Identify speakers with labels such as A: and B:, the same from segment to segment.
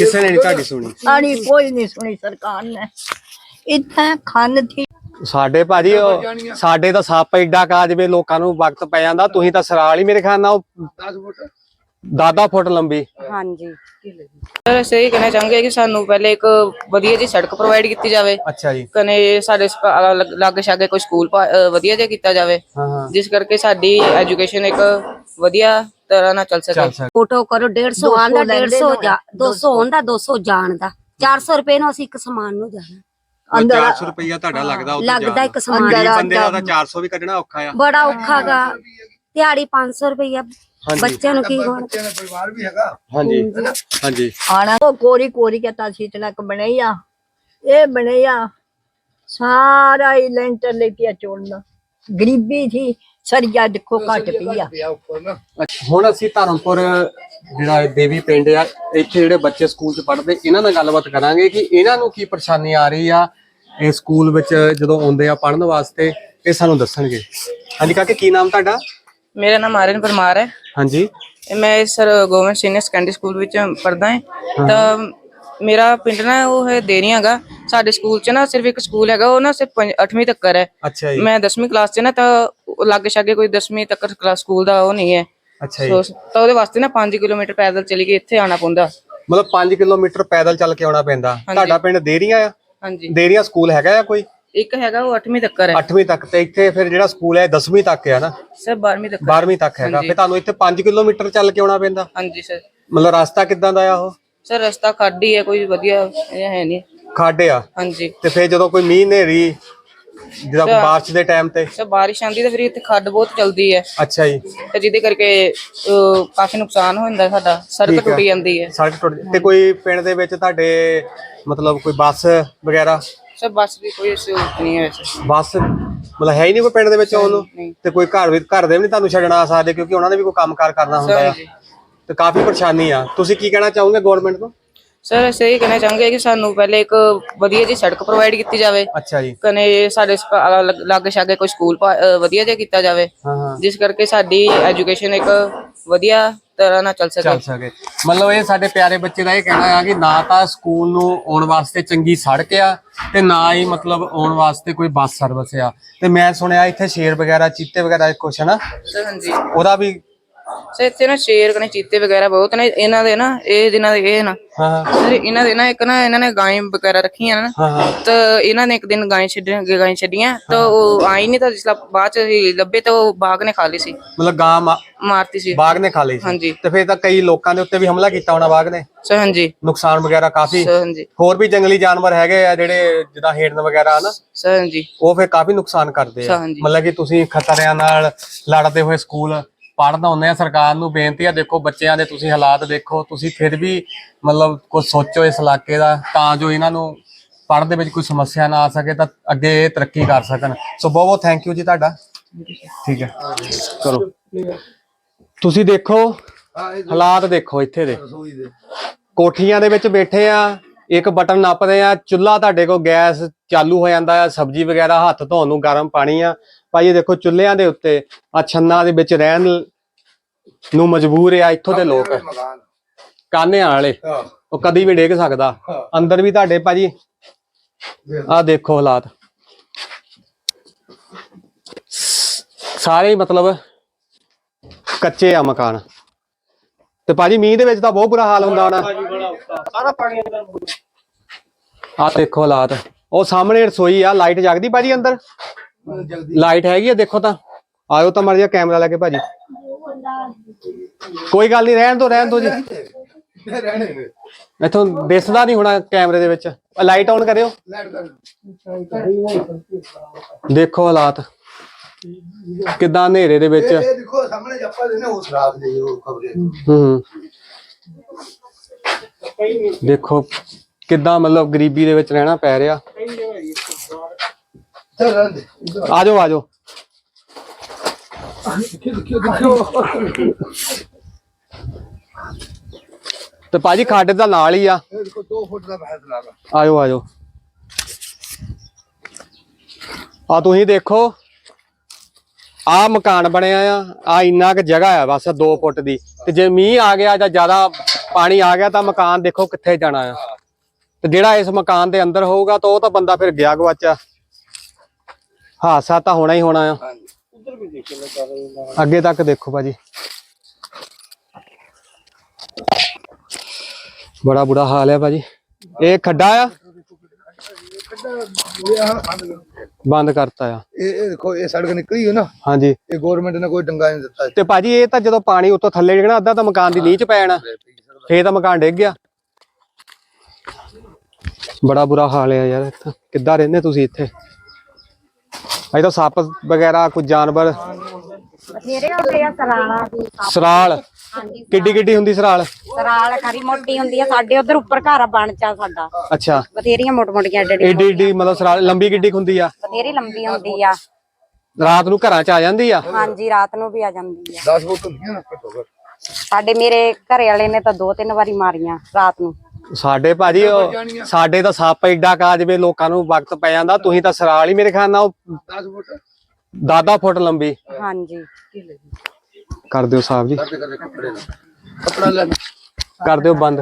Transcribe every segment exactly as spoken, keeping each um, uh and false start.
A: ਕਿਸੇ ਨੇ ਨਹੀਂ ਤੁਹਾਡੀ ਸੁਣੀ?
B: ਸਾਡੀ ਕੋਈ ਨਹੀਂ ਸੁਣੀ ਸਰਕਾਰ ਨੇ। ਇੱਥੇ ਖੰਨ ਥੀ
A: ਸਾਡੇ ਭਾਜੀ ਉਹ ਸਾਡੇ ਤਾਂ ਸੱਪ ਏਡਾ ਕਾ ਜਿਵੇਂ ਲੋਕਾਂ ਨੂੰ ਵਕਤ ਪੈ ਜਾਂਦਾ। ਤੁਸੀਂ ਤਾਂ ਸਰਾਲ ਹੀ ਮੇਰੇ ਖਿਆਲ ਨਾਲ ਦਸ ਫੁੱਟ ਦਸ ਫੁੱਟ ਲੰਬੀ।
C: ਹਾਂਜੀ ਸਰ ਅਸੀਂ ਇਹ ਕਹਿਣਾ ਚਾਹਾਂਗੇ ਕਿ ਸਾਨੂੰ ਪਹਿਲੇ ਇੱਕ ਵਧੀਆ ਜੀ ਸੜਕ ਪ੍ਰੋਵਾਈਡ ਕੀਤੀ ਜਾਵੇ।
A: ਅੱਛਾ ਜੀ।
C: ਕਨੇ ਸਾਡੇ ਲਾਗੇ ਛਾਗੇ ਕੋਈ ਸਕੂਲ ਵਧੀਆ ਜਿਹਾ ਕੀਤਾ ਜਾਵੇ ਜਿਸ ਕਰਕੇ ਸਾਡੀ ਐਜੂਕੇਸ਼ਨ ਇੱਕ ਵਧੀਆ ਤਰ੍ਹਾਂ ਨਾਲ ਚੱਲ ਸਕੇ।
D: ਫੋਟੋ ਕਰੋ डेढ़ सौ ਆਂਦਾ डेढ़ सौ दो सौ ਹੁੰਦਾ दो सौ ਜਾਣ ਦਾ ਚਾਰ ਸੌ ਰੁਪਏ ਨੂੰ ਅਸੀਂ ਇੱਕ ਸਮਾਨ ਨੂੰ ਜਾਣਾ।
A: ਅੰਦਰ ਚਾਰ ਸੌ ਰੁਪਇਆ ਤੁਹਾਡਾ ਲੱਗਦਾ ਉੱਥੇ
D: ਲੱਗਦਾ ਇੱਕ ਸਮਾਨ
A: ਦਾ। ਬੰਦੇ ਦਾ ਤਾਂ ਚਾਰ ਸੌ ਵੀ ਕੱਢਣਾ ਔਖਾ ਆ,
D: ਬੜਾ ਔਖਾ ਗਾ। ਦਿਹਾੜੀ ਪੰਜ ਸੌ ਰੁਪਇਆ ਬੱਚਿਆਂ ਨੂੰ ਕੀ ਹੋਣਾ।
A: ਪਰਿਵਾਰ ਵੀ ਹੈਗਾ। ਹਾਂਜੀ ਹਾਂਜੀ।
B: ਆਣਾ ਉਹ ਕੋਰੀ ਕੋਰੀ कहता सीट लक बनैया ये बनैया सारा ही लेंटर लेके चोड़ना गरीबी थी सरिया देखो घट पिया।
A: ਹੁਣ ਅਸੀਂ ਧਰਮਪੁਰ ਜਿਹੜਾ ਦੇਵੀ ਪਿੰਡ ਆ ਇੱਥੇ ਜਿਹੜੇ ਬੱਚੇ ਸਕੂਲ ਚ ਪੜ੍ਹਦੇ ਇਹਨਾਂ ਨਾਲ ਗੱਲਬਾਤ ਕਰਾਂਗੇ ਕਿ ਇਹਨਾਂ ਨੂੰ ਕੀ ਪਰੇਸ਼ਾਨੀ ਆ ਰਹੀ ਆ ਇਹ ਸਕੂਲ ਵਿੱਚ ਜਦੋਂ ਆਉਂਦੇ ਆ ਪੜ੍ਹਨ ਵਾਸਤੇ। ਇਹ ਸਾਨੂੰ ਦੱਸਣਗੇ। ਹਾਂਜੀ ਕਾਕੇ ਕੀ ਨਾਮ ਤੁਹਾਡਾ?
C: ਮੇਰਾ ਨਾਮ ਆਰਨ ਪਰਮਾਰ ਹੈ।
A: ਹਾਂਜੀ
C: ਮੈਂ sir government senior secondary school ਵਿੱਚ ਪੜ੍ਹਦਾ ਹਾਂ। ਤਾਂ ਮੇਰਾ ਪਿੰਡ ਨਾ ਉਹ ਹੈ ਦੇਰੀਆਂ ਗਾ। ਸਾਡੇ ਸਕੂਲ ਚ ਨਾ ਸਿਰਫ ਇੱਕ ਸਕੂਲ ਹੈਗਾ ਉਹ ਨਾ ਸਿਰਫ ਅੱਠਵੀਂ ਤੱਕ ਹੈ।
A: ਅੱਛਾ ਜੀ।
C: ਮੈਂ ਦਸਵੀਂ ਕਲਾਸ ਚ ਨਾ ਤਾਂ ਲਾਗੇ ਛਾਗੇ ਕੋਈ ਦਸਵੀਂ ਤੱਕ ਕਲਾਸ ਸਕੂਲ ਦਾ ਉਹ ਨਹੀਂ ਹੈ।
A: ਅੱਛਾ ਜੀ।
C: ਤਾਂ ਉਹਦੇ ਵਾਸਤੇ ਨਾ ਪੰਜ ਕਿਲੋਮੀਟਰ ਪੈਦਲ ਚਲੀ ਕੇ ਇੱਥੇ ਆਉਣਾ ਪੈਂਦਾ।
A: ਮਤਲਬ ਪੰਜ ਕਿਲੋਮੀਟਰ ਪੈਦਲ ਚੱਲ ਕੇ ਆਉਣਾ ਪੈਂਦਾ। ਤੁਹਾਡਾ ਪਿੰਡ ਦੇਰੀਆਂ ਆ?
C: ਹਾਂਜੀ।
A: ਦੇਰੀਆਂ ਸਕੂਲ ਹੈਗਾ ਆ ਕੋਈ?
C: ਇੱਕ ਹੈਗਾ ਉਹ ਅੱਠਵੀਂ ਤੱਕ ਹੈ।
A: ਅੱਠਵੀਂ ਤੱਕ ਤੇ ਇੱਥੇ ਫਿਰ ਜਿਹੜਾ ਸਕੂਲ ਹੈ ਦਸਵੀਂ ਤੱਕ ਹੈ ਨਾ?
C: ਸਰ ਬਾਰਵੀਂ ਤੱਕ।
A: ਬਾਰਵੀਂ ਤੱਕ ਹੈਗਾ। ਫਿਰ ਤੁਹਾਨੂੰ ਇੱਥੇ ਪੰਜ ਕਿਲੋਮੀਟਰ ਚੱਲ ਕੇ ਆਉਣਾ ਪੈਂਦਾ?
C: ਹਾਂਜੀ ਸਰ।
A: ਮਤਲਬ ਰਸਤਾ ਕਿੱਦਾਂ ਦਾ ਆ ਉਹ?
C: ਸਰ ਰਸਤਾ ਖਾਡੀ ਹੈ ਕੋਈ ਵਧੀਆ ਹੈ ਨਹੀਂ।
A: ਖੱਡ ਆ?
C: ਹਾਂਜੀ।
A: ਤੇ ਫਿਰ ਜਦੋਂ ਕੋਈ ਮੀਂਹ ਹਨੇਰੀ ਜਦੋਂ ਬਾਰਿਸ਼ ਦੇ ਟਾਈਮ ਤੇ?
C: ਸਰ ਬਾਰਿਸ਼ ਆਂਦੀ ਤਾਂ ਫਿਰ ਇੱਥੇ ਖੱਡ ਬਹੁਤ ਚਲਦੀ ਹੈ।
A: ਅੱਛਾ ਜੀ।
C: ਤੇ ਜਿਹਦੇ ਕਰਕੇ ਕਾਫੀ ਨੁਕਸਾਨ ਹੋ ਜਾਂਦਾ ਸਾਡਾ। ਸੜਕ ਟੁੱਟ ਜਾਂਦੀ ਹੈ।
A: ਸੜਕ ਟੁੱਟ ਤੇ ਕੋਈ ਪਿੰਡ ਦੇ ਵਿੱਚ ਤੁਹਾਡੇ ਮਤਲਬ ਕੋਈ ਬੱਸ ਵਗੈਰਾ?
C: ਸਰ ਬੱਸ ਦੀ ਕੋਈ ਸਹੂਲਤ ਨਹੀਂ ਹੈ ਵੈਸੇ।
A: ਬੱਸ ਮਤਲਬ ਹੈ ਹੀ ਨਹੀਂ ਕੋਈ ਪਿੰਡ ਦੇ ਵਿੱਚ ਆਉਣ ਨੂੰ? ਤੇ ਕੋਈ ਘਰ ਵੀ ਘਰ ਦੇ ਵੀ ਨਹੀਂ ਤੁਹਾਨੂੰ ਛੱਡਣ ਆ ਸਕਦੇ ਕਿਉਂਕਿ ਉਹਨਾਂ ਨੇ ਵੀ ਕੋਈ ਕੰਮ ਕਾਰ ਕਰਨਾ ਹੁੰਦਾ ਹੈ ਤੇ ਕਾਫੀ ਪਰੇਸ਼ਾਨੀ ਆ। ਤੁਸੀਂ ਕੀ ਕਹਿਣਾ ਚਾਹੋਗੇ ਗਵਰਨਮੈਂਟ ਤੋਂ?
C: ਸਰ ਅਸੀਂ ਇਹ ਕਹਿਣਾ ਚਾਹਾਂਗੇ ਕਿ ਸਾਨੂੰ ਪਹਿਲੇ ਇੱਕ ਵਧੀਆ ਜੀ ਸੜਕ ਪ੍ਰੋਵਾਈਡ ਕੀਤੀ ਜਾਵੇ।
A: ਅੱਛਾ ਜੀ।
C: ਕਨੇ ਸਾਡੇ ਲਾਗੇ ਛਾਗੇ ਕੋਈ ਸਕੂਲ ਵਧੀਆ ਜਿਹਾ ਕੀਤਾ ਜਾਵੇ ਜਿਸ ਕਰਕੇ ਸਾਡੀ ਐਜੂਕੇਸ਼ਨ ਇੱਕ ਵਧੀਆ ਤਰ੍ਹਾਂ ਨਾਲ ਚੱਲ ਸਕੇ।
A: ਚੱਲ ਸਕੇ ਮਤਲਬ ਇਹ ਸਾਡੇ ਪਿਆਰੇ ਬੱਚੇ ਦਾ ਇਹ ਕਹਿਣਾ ਆ ਕਿ ਨਾ ਤਾਂ ਸਕੂਲ ਨੂੰ ਆਉਣ ਵਾਸਤੇ ਚੰਗੀ ਸੜਕ ਆ ਤੇ ਨਾ ਹੀ ਮਤਲਬ ਆਉਣ ਵਾਸਤੇ ਕੋਈ ਬੱਸ ਸਰਵਿਸ ਆ। ਤੇ ਮੈਂ ਸੁਣਿਆ ਇੱਥੇ ਸ਼ੇਰ ਵਗੈਰਾ ਚੀਤੇ ਵਗੈਰਾ ਕੁਛ ਹੈ ਨਾ?
C: ਸਰ ਹਾਂਜੀ।
A: ਉਹਦਾ ਵੀ
C: ਸਰ ਇੱਥੇ ਨਾ ਸ਼ੇਰ ਕਨੇ ਚੀਤੇ ਵਗੈਰਾ ਬਹੁਤ ਨੇ। ਇਹਨਾਂ ਦੇ ਨਾ ਇਹ ਦਿਨਾਂ ਦੇ ਇਹ ਨਾ ਸਰ ਇਹਨਾਂ ਦੇ ਨਾ ਇੱਕ ਨਾ ਇਹਨਾਂ ਨੇ ਗਾਂ ਵਗੈਰਾ ਰੱਖੀਆਂ ਨਾ ਤਾਂ ਇਹਨਾਂ ਨੇ ਇੱਕ ਦਿਨ ਗਾਂ ਛੱਡੀਆਂ ਗਾਂ ਛੱਡੀਆਂ ਤਾਂ ਉਹ ਆਈ ਨਹੀਂ ਤਾਂ ਜਿਸ ਬਾਅਦ ਚ ਲੱਭੇ ਤਾਂ ਉਹ ਬਾਘ ਨੇ ਖਾ ਲਈ ਸੀ।
A: ਮਤਲਬ ਗਾਂ
C: ਮਾਰਤੀ ਸੀ।
A: ਬਾਘ ਨੇ ਖਾ ਲਈ ਸੀ? ਹਾਂਜੀ। ਤੇ ਫਿਰ ਤਾਂ ਕਈ ਲੋਕਾਂ ਦੇ ਉੱਤੇ ਵੀ ਹਮਲਾ ਕੀਤਾ ਹੋਣਾ ਬਾਘ ਨੇ?
C: ਸਰ ਹਾਂਜੀ।
A: ਨੁਕਸਾਨ ਵਗੈਰਾ ਕਾਫੀ?
C: ਹਾਂਜੀ।
A: ਹੋਰ ਵੀ ਜੰਗਲੀ ਜਾਨਵਰ ਹੈਗੇ ਆ ਜਿਹੜੇ ਜਿੱਦਾਂ ਹਿਰਨ ਵਗੈਰਾ ਨਾ?
C: ਸਰ ਹਾਂਜੀ।
A: ਉਹ ਫਿਰ ਕਾਫੀ ਨੁਕਸਾਨ ਕਰਦੇ ਆ। ਮਤਲਬ ਕਿ ਤੁਸੀਂ ਖਤਰਿਆਂ ਨਾਲ ਲੜਦੇ ਹੋਏ ਸਕੂਲ ਪੜ੍ਹਦਾ ਹੁੰਦੇ ਆ। ਸਰਕਾਰ ਨੂੰ ਬੇਨਤੀ ਆ ਦੇਖੋ ਬੱਚਿਆਂ ਦੇ ਤੁਸੀਂ ਹਾਲਾਤ ਦੇਖੋ ਤੁਸੀਂ ਫਿਰ ਵੀ ਮਤਲਬ ਕੁਝ ਸੋਚੋ ਇਸ ਇਲਾਕੇ ਦਾ ਤਾਂ ਜੋ ਇਹਨਾਂ ਨੂੰ ਪੜ੍ਹਨ ਦੇ ਵਿੱਚ ਕੋਈ ਸਮੱਸਿਆ ਨਾ ਆ ਸਕੇ ਤਾਂ ਅੱਗੇ ਇਹ ਤਰੱਕੀ ਕਰ ਸਕਣ। ਸੋ ਬਹੁਤ ਬਹੁਤ ਥੈਂਕ ਯੂ ਜੀ ਤੁਹਾਡਾ। ਠੀਕ ਹੈ ਕਰੋ। ਤੁਸੀਂ ਦੇਖੋ ਹਾਲਾਤ ਦੇਖੋ ਇੱਥੇ ਦੇ। ਕੋਠੀਆਂ ਦੇ ਵਿੱਚ ਬੈਠੇ ਆ ਇੱਕ ਬਟਨ ਨੱਪਦੇ ਆ ਚੁੱਲ੍ਹਾ ਤੁਹਾਡੇ ਕੋਲ ਗੈਸ ਚਾਲੂ ਹੋ ਜਾਂਦਾ ਆ ਸਬਜ਼ੀ ਵਗੈਰਾ ਹੱਥ ਧੋਣ ਨੂੰ ਗਰਮ ਪਾਣੀ ਆ। ਭਾਈ ਇਹ ਦੇਖੋ ਚੁੱਲ੍ਹਿਆਂ ਦੇ ਉੱਤੇ ਆ ਛੰਨਾਂ ਦੇ ਵਿੱਚ ਰਹਿਣ ਨੂੰ ਮਜਬੂਰ ਆ ਇੱਥੋਂ ਦੇ ਲੋਕ ਕਾਨਿਆਂ ਵਾਲੇ। ਉਹ ਕਦੀ ਵੀ ਡਿੱਗ ਸਕਦਾ ਅੰਦਰ ਵੀ ਤੁਹਾਡੇ ਭਾਜੀ। ਆ ਦੇਖੋ ਹਾਲਾਤ ਸਾਰੇ ਮਤਲਬ ਕੱਚੇ ਆ ਮਕਾਨ। ਤੇ ਭਾਜੀ ਮੀਂਹ ਦੇ ਵਿੱਚ ਤਾਂ ਬਹੁਤ ਬੁਰਾ ਹਾਲ ਹੁੰਦਾ ਹੋਣਾ। ਸਾਰਾ ਪਾਣੀ ਅੰਦਰ ਆ ਦੇਖੋ ਹਾਲਾਤ। ਉਹ ਸਾਹਮਣੇ ਰਸੋਈ ਆ ਲਾਈਟ ਜਗਦੀ ਭਾਜੀ ਅੰਦਰ? ਲਾਈਟ ਹੈਗੀ ਆ ਦੇਖੋ ਤਾਂ ਆਇਓ ਤਾਂ ਮਰ ਜਾ ਕੈਮਰਾ ਲੈ ਕੇ ਭਾਜੀ। ਕੋਈ ਗੱਲ ਨਹੀਂ ਰਹਿਣ ਦੋ ਰਹਿਣ ਦੋ ਜੀ ਇੱਥੋਂ ਦਿਸਦਾ ਨਹੀਂ ਹੋਣਾ ਕੈਮਰੇ ਦੇ ਵਿੱਚ। ਲਾਈਟ ਆਨ ਕਰਿਓ। ਦੇਖੋ ਹਾਲਾਤ ਕਿੱਦਾਂ ਹਨੇਰੇ ਦੇ ਵਿੱਚ।
E: ਦੇਖੋ ਸਾਹਮਣੇ ਜੱਪਾ ਦੇ ਨੇ ਉਸ ਰਾਤ ਦੇ ਉਹ ਖਬਰੇ।
A: ਹੂੰ ਦੇਖੋ ਕਿੱਦਾਂ ਮਤਲਬ ਗਰੀਬੀ ਦੇ ਵਿੱਚ ਰਹਿਣਾ ਪੈ ਰਿਹਾ। ਆ ਜਾਓ ਆ ਜਾਓ। ਤੇ ਭਾਜੀ ਖੱਡ ਦਾ ਨਾਲ ਹੀ ਆ।
E: ਦੋ ਫੁੱਟ ਦਾ ਫੈਸਲਾ ਆ।
A: ਆਜੋ ਆਜੋ ਆ ਤੁਸੀਂ ਦੇਖੋ ਆ ਮਕਾਨ ਬਣਿਆ ਆ। ਆ ਇੰਨਾ ਕੁ ਜਗ੍ਹਾ ਆ ਬਸ ਦੋ ਫੁੱਟ ਦੀ। ਤੇ ਜੇ ਮੀਂਹ ਆ ਗਿਆ ਜਾਂ ਜ਼ਿਆਦਾ ਪਾਣੀ ਆ ਗਿਆ ਤਾਂ ਮਕਾਨ ਦੇਖੋ ਕਿੱਥੇ ਜਾਣਾ ਆ, ਤੇ ਜਿਹੜਾ ਇਸ ਮਕਾਨ ਦੇ ਅੰਦਰ ਹੋਊਗਾ ਤਾਂ ਉਹ ਤਾਂ ਬੰਦਾ ਫਿਰ ਗਿਆ ਗਵਾਚਾ। ਹਾਦਸਾ ਤਾਂ ਹੋਣਾ ਹੀ ਹੋਣਾ ਆ। ਅੱਗੇ ਤੱਕ ਦੇਖੋ ਭਾਜੀ, ਬੜਾ ਬੁਰਾ ਹਾਲ ਹੈ ਭਾਜੀ। ਇਹ ਖੱਡਾ ਆ, ਬੰਦ ਕਰਤਾ ਆ।
E: ਇਹ ਦੇਖੋ ਇਹ ਸੜਕ ਨਿਕਲੀ ਹੈ ਨਾ,
A: ਹਾਂਜੀ
E: ਇਹ ਗਵਰਨਮੈਂਟ ਨੇ ਕੋਈ ਡੰਗਾ ਨਹੀਂ ਦਿੱਤਾ।
A: ਤੇ ਭਾਜੀ ਇਹ ਤਾਂ ਜਦੋਂ ਪਾਣੀ ਉੱਤੋਂ ਥੱਲੇ ਡਿੱਗਣਾ ਅੱਧਾ ਤਾਂ ਮਕਾਨ ਦੀ ਨੀਂਹ ਚ ਪੈ ਜਾਣਾ, ਫੇਰ ਤਾਂ ਮਕਾਨ ਡਿੱਗ ਗਿਆ। ਬੜਾ ਬੁਰਾ ਹਾਲ ਹੈ ਯਾਰ। ਇੱਥੇ ਕਿੱਦਾਂ ਰਹਿੰਦੇ ਤੁਸੀਂ ਇੱਥੇ? ਅਜੇ ਤਾਂ ਸੱਪ ਵਗੈਰਾ ਕੁਝ ਜਾਨਵਰ।
D: ਬਥੇਰੇ ਹੁੰਦੇ ਆ ਸਰਾਲਾ ਦੀ।
A: ਸਰਾਲ ਕਿੱਡੀ ਕਿੱਡੀ ਹੁੰਦੀ ਸਰਾਲ?
D: ਸਰਾਲ ਖਰੀ ਮੋਟੀ ਹੁੰਦੀ ਆ, ਸਾਡੇ ਉਧਰ ਉੱਪਰ ਘਰ ਬਣ ਚਾ ਸਾਡਾ।
A: ਅੱਛਾ,
D: ਬਥੇਰੀਆਂ ਮੋਟ ਮੋਟੀਆਂ ਏਡੀ
A: ਏਡੀ ਏਡੀ ਮਤਲਬ ਸਰਾਲ ਲੰਬੀ ਕਿੱਡੀ ਕੁ ਹੁੰਦੀ ਆ?
D: ਬਥੇਰੀ ਲੰਬੀ ਹੁੰਦੀ ਆ।
A: ਰਾਤ ਨੂੰ ਘਰਾਂ ਚ ਆ ਜਾਂਦੀ ਆ?
D: ਹਾਂਜੀ ਰਾਤ ਨੂੰ ਵੀ ਆ ਜਾਂਦੀ ਆ।
E: ਦਸ ਫੁੱਟ ਹੁੰਦੀਆਂ ਨਾ ਘੱਟੋ ਘੱਟ।
D: ਸਾਡੇ ਮੇਰੇ ਘਰੇ ਵਾਲੇ ਨੇ ਤਾਂ ਦੋ ਤਿੰਨ ਵਾਰੀ ਮਾਰੀਆਂ ਰਾਤ ਨੂੰ।
A: ਸਾਡੇ ਭਾਜੀ ਉਹ- ਸਾਡੇ ਤਾਂ ਸੱਪ ਏਡਾ ਕਾ ਜਿਵੇਂ ਲੋਕਾਂ ਨੂੰ ਵਕਤ ਪੈ ਜਾਂਦਾ। ਤੁਸੀਂ ਤਾਂ ਸਰਾਲ ਹੀ ਮੇਰੇ ਖਿਆਲ ਨਾਲ
E: ਦਸ ਫੁੱਟ
A: ਦਸ ਫੁੱਟ ਲੰਬੀ
D: ਹਾਂਜੀ
A: ਕਰ ਦਿਓ ਸਾਹਿਬ ਜੀ,
E: ਕੱਪੜਾ ਲੈ
A: ਕਰ ਦਿਓ ਬੰਦ।